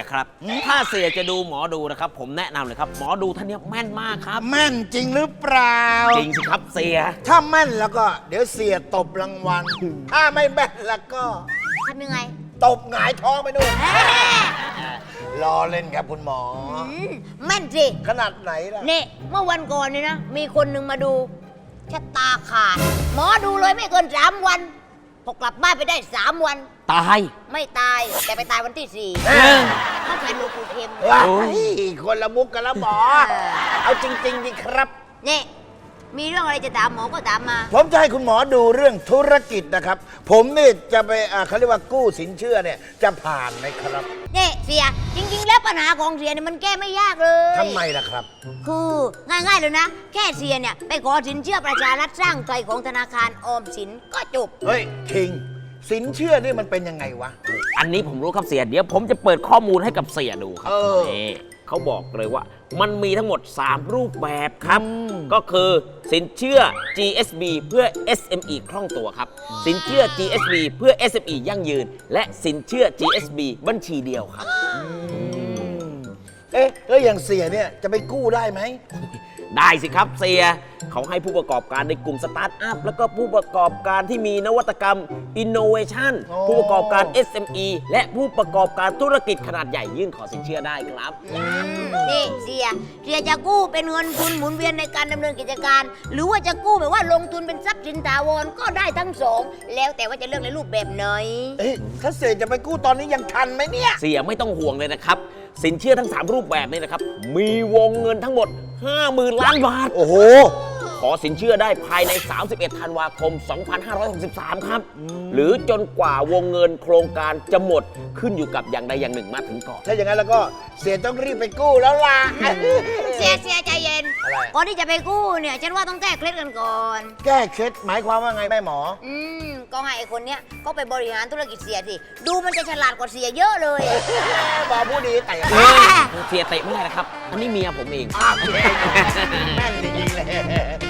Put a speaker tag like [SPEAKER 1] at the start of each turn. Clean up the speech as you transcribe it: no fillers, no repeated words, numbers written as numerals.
[SPEAKER 1] ครับถ้าเสียจะดูหมอดูนะครับผมแนะนำเลยครับหมอดูท่านนี้แม่นมากครับ
[SPEAKER 2] แม่นจริงหรือเปล่า
[SPEAKER 1] จริงสิครับเสีย
[SPEAKER 2] ถ้าแม่นแล้วก็เดี๋ยวเสียตบรางวัล ถ้าไม่แม่นแล้วก็
[SPEAKER 3] ทำยังไง
[SPEAKER 2] ตบหงายท้องไปนู่นรอเล่นครับคุณหมอ
[SPEAKER 3] แม่นสิ
[SPEAKER 2] ขนาดไหนล่ะ
[SPEAKER 3] นี่เมื่อวันก่อนนี่นะ มีคนหนึ่งมาดูชะตาขาด หมอดูเลยไม่เกิน3 วันพอกลับบ้านไปได้3 วัน
[SPEAKER 1] ตาย
[SPEAKER 3] ไม่ตายแต่ไปตายวันที่
[SPEAKER 2] เอ้ย
[SPEAKER 3] 4เขาใช้หลวงปู่เข็ม
[SPEAKER 2] ว้ายคนละมุกกันแล้วหมอ เอาจริงๆดิครับ
[SPEAKER 3] นี่มีเรื่องอะไรจะถามหมอก็ถามมา
[SPEAKER 2] ผมจะให้คุณหมอดูเรื่องธุรกิจนะครับ ผมนี่จะไปเขาเรียกว่ากู้สินเชื่อเนี่ยจะผ่านไหมครับ
[SPEAKER 3] นี่เสียจริง ๆ แล้วปัญหาของเสียเนี่ยมันแก้ไม่ยากเลย
[SPEAKER 2] ทำไมล่ะครับ
[SPEAKER 3] คือง่ายๆเลยนะ แค่เสียเนี่ยไปขอสินเชื่อประชารัฐสร้างไทยของธนาคารออมสินก็จบ
[SPEAKER 2] เฮ้ยคิง สินเชื่อนี่มันเป็นยังไงวะ
[SPEAKER 1] อันนี้ผมรู้ครับเสียเดี๋ยวผมจะเปิดข้อมูลให้กับเสียดูครั
[SPEAKER 2] เออ
[SPEAKER 1] นี่เขาบอกเลยว่ามันมีทั้งหมด 3 รูปแบบครับ ก็คือสินเชื่อ GSB เพื่อ SME คล่องตัวครับ สินเชื่อ GSB เพื่อ SME ยั่งยืน และสินเชื่อ GSB บัญชีเดียวครับ
[SPEAKER 2] เอ๊ะแล้วอย่างเสียเนี่ยจะไปกู้ได้ไหม
[SPEAKER 1] ได้สิครับเสียเขาให้ผู้ประกอบการในกลุ่มสตาร์ทอัพแล้วก็ผู้ประกอบการที่มีนวัตกรรม Innovation
[SPEAKER 2] อ๋อ
[SPEAKER 1] ผู้ประกอบการ SME และผู้ประกอบการธุรกิจขนาดใหญ่ยื่นขอสินเชื่อได้ครับ
[SPEAKER 3] นี่เสียจะกู้เป็นเงินทุนหมุนเวียนในการดำเนินกิจการ หรือว่าจะกู้แบบว่าลงทุนเป็นทรัพย์สินถาวรก็ได้ทั้งสองแล้วแต่ว่าจะเลือกในรูปแบบไหน
[SPEAKER 2] เอ๊ะถ้าเสียจะไปกู้ตอนนี้ยังทันไหมเนี่ย
[SPEAKER 1] เสียไม่ต้องห่วงเลยนะครับ สินเชื่อทั้ง 3 รูปแบบนี้นะครับ มีวงเงินทั้งหมด 50,000 ล้านบาท
[SPEAKER 2] โอ้โห
[SPEAKER 1] ขอสินเชื่อได้ภายใน 31 ธันวาคม 2563 ครับ หรือจนกว่าวงเงินโครงการจะหมดขึ้นอยู่กับอย่างใดอย่างหนึ่งมาถึงก่อน
[SPEAKER 2] ถ้าอย่างนั้นแล้วก็เสียต้องรีบไปกู้แล้วล่ะ
[SPEAKER 3] เสียใจเย็น
[SPEAKER 2] อะไร
[SPEAKER 3] ก่อนที่จะไปกู้เนี่ยฉันว่าต้องแก้เคล็ดกันก่อน
[SPEAKER 2] แก้เคล็ดหมายความว่าไงแม่หมอ
[SPEAKER 3] ก็ให้ไอ้คนเนี้ยก็ไปบริหารธุรกิจเสียสิดูมันจะฉลาดกว่าเสียเยอะเลย
[SPEAKER 2] หมอผู้ดีแต่
[SPEAKER 1] เสียเตะไม่ได้นะครับ อันนี้เมียผมเอง
[SPEAKER 2] อ้าวแม่นจริงๆเลย